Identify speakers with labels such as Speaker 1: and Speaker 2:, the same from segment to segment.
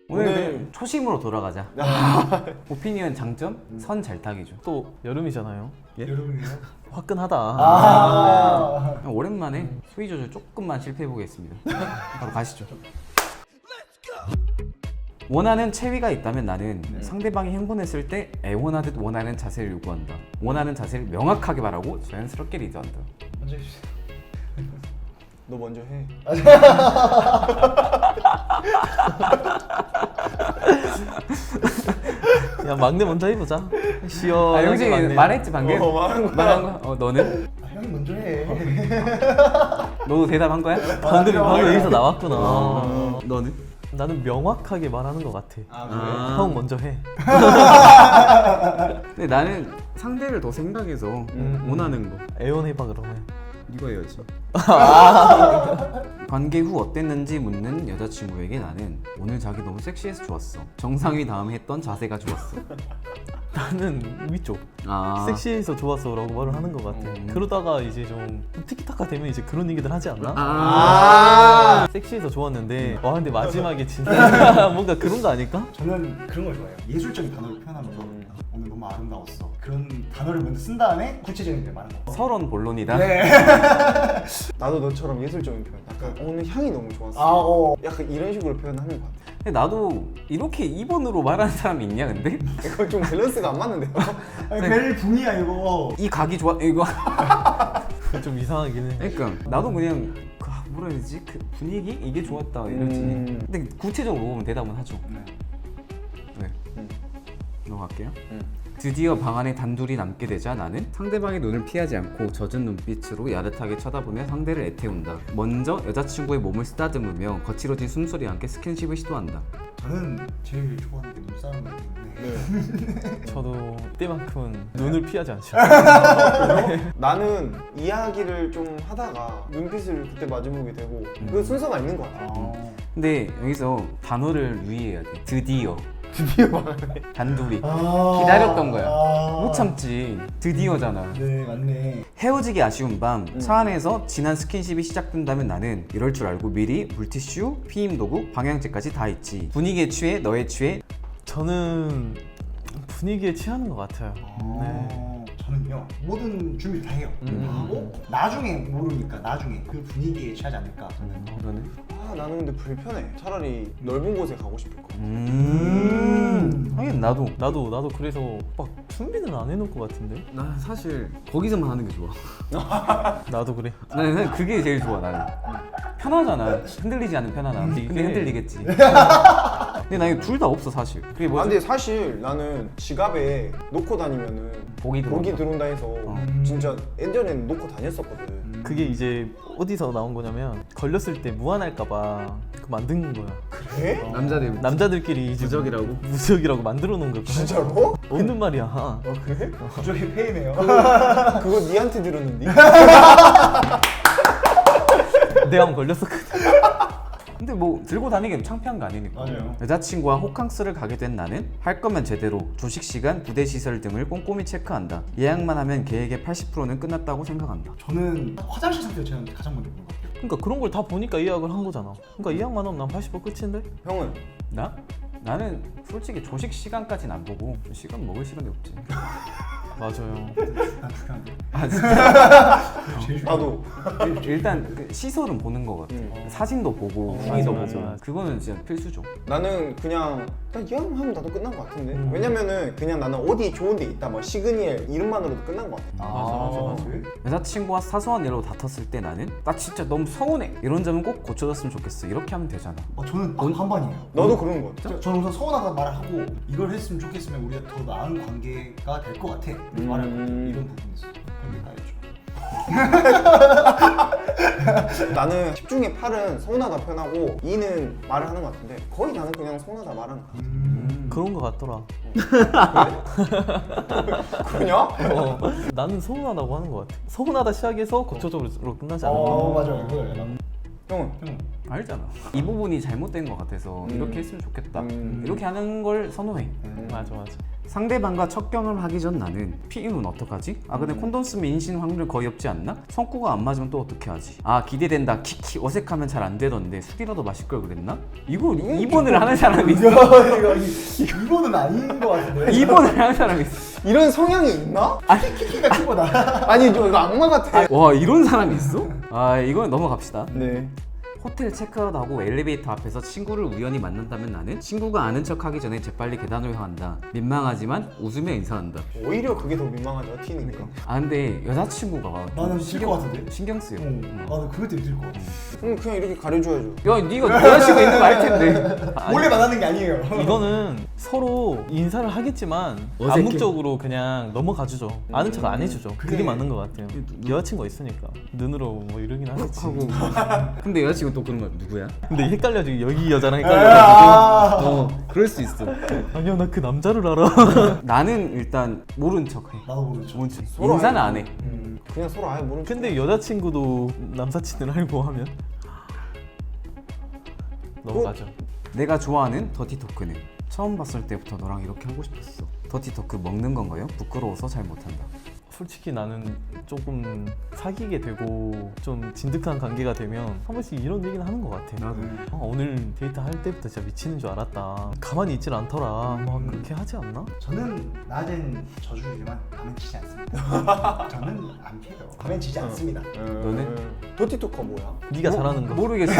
Speaker 1: 오늘 초심으로 돌아가자. 오피니언 장점? 선 잘 타기죠.
Speaker 2: 또 여름이잖아요.
Speaker 3: 예? 여름이에요?
Speaker 2: 화끈하다.
Speaker 1: 오랜만에 수위 조절 조금만 실패해 보겠습니다. 바로 가시죠. 원하는 체위가 있다면 나는 상대방이 행동했을 때 애원하듯 원하는 자세를 요구한다. 원하는 자세를 명확하게 말하고 자연스럽게 리드한다.
Speaker 3: 먼저 해주세요.
Speaker 4: 너 먼저 해.
Speaker 2: 야 막내 먼저 해보자. 시원하게
Speaker 1: 영식이
Speaker 2: 막내.
Speaker 1: 말했지 방금?
Speaker 4: 말한
Speaker 1: 말한 거? 너는?
Speaker 3: 형이 먼저 해.
Speaker 1: 너도 대답한 거야?
Speaker 2: 방금 여기서 나왔구나.
Speaker 1: 너는?
Speaker 2: 나는 명확하게 말하는 것 같아.
Speaker 1: 아.
Speaker 2: 형 먼저 해.
Speaker 1: 근데 나는 상대를 더 생각해서 원하는 거
Speaker 2: 애원해봐 그러면.
Speaker 1: 이거 해야지. 관계 후 어땠는지 묻는 여자친구에게 나는 오늘 자기 너무 섹시해서 좋았어. 정상위 다음에 했던 자세가 좋았어.
Speaker 2: 나는 위쪽.
Speaker 1: 아.
Speaker 2: 섹시해서 좋았어라고 말을 하는 것 같아. 그러다가 이제 좀 티키타카 되면 이제 그런 얘기들 하지 않나?
Speaker 1: 아.
Speaker 2: 섹시해서 좋았는데 와 근데 마지막에 진짜 뭔가 그런 거 아닐까?
Speaker 3: 저는 그런 걸 좋아해요. 예술적인 단어를 표현하면서 오늘 너무 아름다웠어. 그런 단어를 먼저 쓴 다음에 구체적인 데 많은 거.
Speaker 1: 서론 본론이다.
Speaker 3: 네.
Speaker 4: 나도 너처럼 예술적인 표현. 약간 오늘 향이 너무 좋았어.
Speaker 3: 아, 어.
Speaker 4: 약간 이런 식으로 표현하는 것 같아.
Speaker 1: 근데 나도 이렇게 2번으로 말하는 사람이 있냐 근데?
Speaker 4: 이거 좀 밸런스가 안 맞는데요?
Speaker 3: 아니, 벨 붕이야 이거.
Speaker 1: 이 각이 좋아 이거.
Speaker 2: 좀 이상하긴 해.
Speaker 1: 그러니까 나도 그냥 뭐라 해야 되지? 그 분위기 이게 좋았다 이러지. 근데 구체적으로 물어보면 대답은 하죠.
Speaker 3: 네.
Speaker 1: 네. 넘어갈게요.
Speaker 4: 응.
Speaker 1: 드디어 방 안에 단둘이 남게 되자 나는 상대방의 눈을 피하지 않고 젖은 눈빛으로 야릇하게 쳐다보며 상대를 애태운다. 먼저 여자친구의 몸을 쓰다듬으며 거칠어진 숨소리와 함께 스킨십을 시도한다.
Speaker 3: 저는 제일 좋아하는 게 눈싸움이기 때문에.
Speaker 2: 저도 때만큼은 눈을 피하지 않죠.
Speaker 4: 나는 이야기를 좀 하다가 눈빛을 그때 마주보게 되고 그 순서가 있는 것 같아.
Speaker 1: 근데 여기서 단어를 유의해야 돼. 드디어.
Speaker 4: 드디어 말하네.
Speaker 1: 단둘이.
Speaker 3: 아.
Speaker 1: 기다렸던 거야.
Speaker 3: 아.
Speaker 1: 못 참지. 드디어잖아.
Speaker 3: 네, 맞네.
Speaker 1: 헤어지기 아쉬운 밤 차 안에서 진한 스킨십이 시작된다면 나는 이럴 줄 알고 미리 물티슈, 피임 도구, 방향제까지 다 있지. 분위기에 취해 너에 취해.
Speaker 2: 저는 분위기에 취하는 것 같아요.
Speaker 3: 저는요 모든 준비를 다 해요. 다 하고 나중에 모르니까 나중에 그 분위기에 취하지 않을까 저는.
Speaker 1: 너는?
Speaker 4: 아, 나는 근데 불편해. 차라리 넓은 곳에 가고 싶을 것 같아.
Speaker 1: 하긴 나도.
Speaker 2: 나도 그래서 막 준비는 안 해놓을 것 같은데.
Speaker 1: 나 사실 거기서만 하는 게 좋아.
Speaker 2: 나도 그래.
Speaker 1: 나는 사실 그게 제일 좋아 나는. 편하잖아. 흔들리지 않는 편안함. 근데 흔들리겠지. 근데 나 이거 둘 다 없어 사실. 그게
Speaker 4: 아,
Speaker 1: 뭐지?
Speaker 4: 근데 사실 나는 지갑에 놓고 다니면은
Speaker 1: 복이
Speaker 4: 들어온다 해서 진짜 예전에는 놓고 다녔었거든.
Speaker 2: 그게 이제 어디서 나온 거냐면 걸렸을 때 무한할까봐 그 만든 거야.
Speaker 4: 그래?
Speaker 1: 남자들
Speaker 2: 남자들끼리 이제 무적이라고 만들어 놓은 거야.
Speaker 4: 진짜로?
Speaker 2: 없는 말이야.
Speaker 4: 어 그래?
Speaker 3: 부족의 폐이네요.
Speaker 4: 그거 니한테 들었는데?
Speaker 2: 내가 한번 걸렸었거든.
Speaker 1: 근데 뭐 들고 다니기엔 창피한 거 아니니까.
Speaker 3: 맞아요.
Speaker 1: 여자친구와 호캉스를 가게 된 나는 할 거면 제대로 조식 시간, 부대 시설 등을 꼼꼼히 체크한다. 예약만 하면 계획의 80%는 끝났다고 생각한다.
Speaker 3: 저는 화장실 상태를 제가 가장 먼저 보는 것 같아요.
Speaker 2: 그러니까 그런 걸 다 보니까 예약을 한 거잖아. 그러니까 예약만 하면 난 80% 끝인데?
Speaker 4: 형은?
Speaker 1: 나? 나는 솔직히 조식 시간까지는 안 보고 시간 먹을 시간이 없지.
Speaker 2: 맞아요.
Speaker 3: 난 불편한데.
Speaker 1: 아 진짜?
Speaker 3: 제일
Speaker 4: 나도.
Speaker 1: 일단 그 시설은 보는 거 같아. 사진도 보고 후기도
Speaker 2: 맞아,
Speaker 1: 보고.
Speaker 2: 맞아.
Speaker 1: 그거는 진짜 필수죠.
Speaker 4: 나는 그냥 예약하면 나도 끝난 것 같은데. 왜냐면은 그냥 나는 어디 좋은 데 있다 뭐 시그니엘 이름만으로도 끝난 것 같아.
Speaker 2: 맞아.
Speaker 1: 여자친구와 사소한 일로 다퉜을 때 나는 나 진짜 너무 서운해. 이런 점은 꼭 고쳐줬으면 좋겠어. 이렇게 하면 되잖아.
Speaker 3: 저는 반반이에요.
Speaker 4: 너도 그런 거 같아?
Speaker 3: 저는 우선 서운하다 말을 하고 이걸 했으면 좋겠으면 우리가 더 나은 관계가 될 것 같아. 말을 이런 부분이 있어. 그런 게 나였죠.
Speaker 4: 나는 10 중에 8은 서운하다 표현하고 2는 말을 하는 것 같은데 거의 나는 그냥 서운하다 말하는 것 같아.
Speaker 2: 그런 거 같더라.
Speaker 4: 그러냐?
Speaker 2: 나는 서운하다고 하는 거 같아. 서운하다 시작해서 고쳐적으로 끝나지 않을까?
Speaker 3: 맞아요. 이거예요.
Speaker 4: 형은?
Speaker 1: 알잖아. 이 부분이 잘못된 것 같아서 이렇게 했으면 좋겠다. 이렇게 하는 걸 선호해.
Speaker 2: 맞아.
Speaker 1: 상대방과 첫 경험하기 전 나는 피임은 어떡하지? 아 근데 콘돔 쓰면 인신 확률 거의 없지 않나? 성구가 안 맞으면 또 어떻게 하지? 아 기대된다 키키 어색하면 잘 안 되던데 술이라도 마실 걸 그랬나? 이거 2번을 하는 사람이 있어.
Speaker 3: 이거는 아닌 것 같은데.
Speaker 1: 2번을 하는 사람이 있어.
Speaker 4: 이런 성향이 있나?
Speaker 3: 키키가 키보다.
Speaker 4: 아니 저 이거 악마 같아.
Speaker 1: 와 이런 사람이 있어? 아 이건 넘어갑시다.
Speaker 4: 네.
Speaker 1: 호텔 체크아웃 하고 엘리베이터 앞에서 친구를 우연히 만난다면 나는 친구가 아는 척하기 전에 재빨리 계단으로 향한다. 민망하지만 웃으며 인사한다.
Speaker 4: 오히려 그게 더 민망하죠. 튀니까.
Speaker 1: 아 근데 여자친구가
Speaker 3: 나는 싫을 것 같은데.
Speaker 1: 신경 쓰여.
Speaker 3: 나는 그것 때문에 싫을 것 같아.
Speaker 4: 그냥 이렇게 가려줘야죠.
Speaker 1: 야 네가 여자친구 있는 거 알 텐데.
Speaker 3: 원래 만나는 게 아니에요.
Speaker 2: 이거는 서로 인사를 하겠지만
Speaker 1: 어색해.
Speaker 2: 암묵적으로 그냥 넘어가주죠. 아는 척 안 해주죠. 그게
Speaker 3: 그래.
Speaker 2: 맞는 것 같아요. 여자친구가 있으니까 눈으로 뭐 이러긴 하겠지.
Speaker 1: 하고 근데 여자친구 또 그런 거 누구야?
Speaker 2: 근데 헷갈려지고 여기 여자랑 헷갈려가지고
Speaker 1: 그럴 수 있어.
Speaker 2: 아니야 나 그 남자를 알아.
Speaker 1: 나는 일단 모른 척해.
Speaker 3: 나도 모르죠.
Speaker 1: 모른 척.
Speaker 4: 서로
Speaker 1: 인사는 안 해.
Speaker 4: 그냥 서로 아예 모르는.
Speaker 2: 근데 여자친구도 남사친을 알고 하면 넘어가죠.
Speaker 1: 내가 좋아하는 더티 토크는 처음 봤을 때부터 너랑 이렇게 하고 싶었어. 더티 토크 먹는 건가요? 부끄러워서 잘 못한다.
Speaker 2: 솔직히 나는 조금 사귀게 되고 좀 진득한 관계가 되면 한 번씩 이런 얘기는 하는 것 같아.
Speaker 1: 나도.
Speaker 2: 오늘 데이트 할 때부터 진짜 미치는 줄 알았다. 가만히 있질 않더라. 막 그렇게 하지 않나?
Speaker 3: 저는 낮엔 저주지만 밤엔 지지 않습니다. 저는 안 피해요. 밤엔 지지 않습니다.
Speaker 1: 너는?
Speaker 4: 더티토커 뭐야?
Speaker 2: 네가 잘하는 거.
Speaker 1: 모르겠어.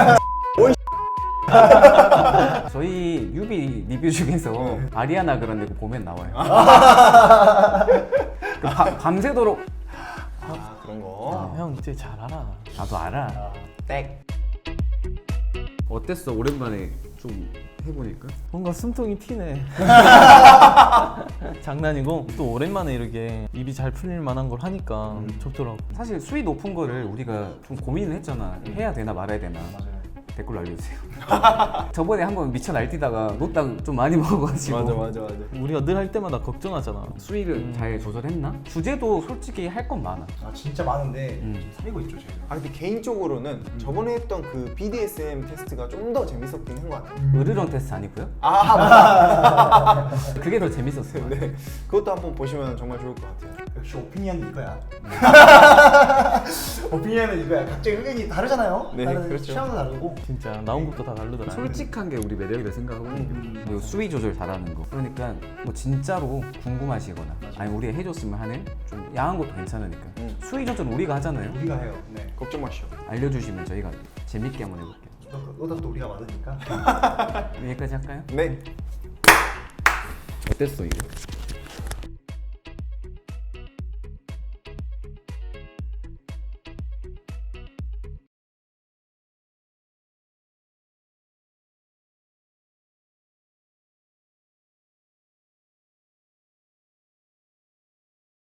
Speaker 1: 저희 뮤비 리뷰 중에서 아리아나 그란데 그 보면 나와요. 그 밤새도록
Speaker 4: 아 그런 거.
Speaker 2: 형 이제 잘 알아.
Speaker 1: 나도 알아.
Speaker 4: 땡.
Speaker 1: 어땠어? 오랜만에 좀 해보니까.
Speaker 2: 뭔가 숨통이 튀네. 장난이고 또 오랜만에 이렇게 입이 잘 풀릴 만한 걸 하니까 좋더라고.
Speaker 1: 사실 수위 높은 거를 우리가 좀 고민을 했잖아. 해야 되나 말아야 되나.
Speaker 3: 맞아요.
Speaker 1: 댓글로 알려주세요. 저번에 한번 미쳐 날뛰다가 노땅 좀 많이 먹어가지고
Speaker 4: 맞아.
Speaker 2: 우리가 늘 할 때마다 걱정하잖아.
Speaker 1: 수위를 잘 조절했나? 주제도 솔직히 할 건 많아.
Speaker 3: 아 진짜 많은데 좀 사리고 있죠 저희가.
Speaker 4: 아 근데 개인적으로는 저번에 했던 그 BDSM 테스트가 좀 더 재밌었긴 한 것 같아요.
Speaker 1: 으르렁 테스트 아니고요?
Speaker 4: 아 맞다.
Speaker 1: 그게 더 재밌었어요.
Speaker 4: 네. 그것도 한번 보시면 정말 좋을 것 같아요.
Speaker 3: 역시 오피니언은 이거야. 오피니언은 이거야. 각자 의견이 다르잖아요.
Speaker 4: 네,
Speaker 3: 다른
Speaker 4: 그렇죠.
Speaker 3: 취향도 다르고.
Speaker 2: 진짜 나온 것도 다 다르더라.
Speaker 1: 솔직한 게 우리 매력이라 생각하거든요. 그리고 수위 조절 잘하는 거. 그러니까 뭐 진짜로 궁금하시거나 아니 우리 해줬으면 하는 좀 야한 것도 괜찮으니까 수위 조절 우리가 하잖아요.
Speaker 3: 우리가 해요. 네.
Speaker 4: 걱정 마시오.
Speaker 1: 알려주시면 저희가 재밌게 한번 해볼게요.
Speaker 3: 너다 또 우리가 많으니까.
Speaker 1: 여기까지 할까요?
Speaker 4: 네.
Speaker 1: 어땠어 이거?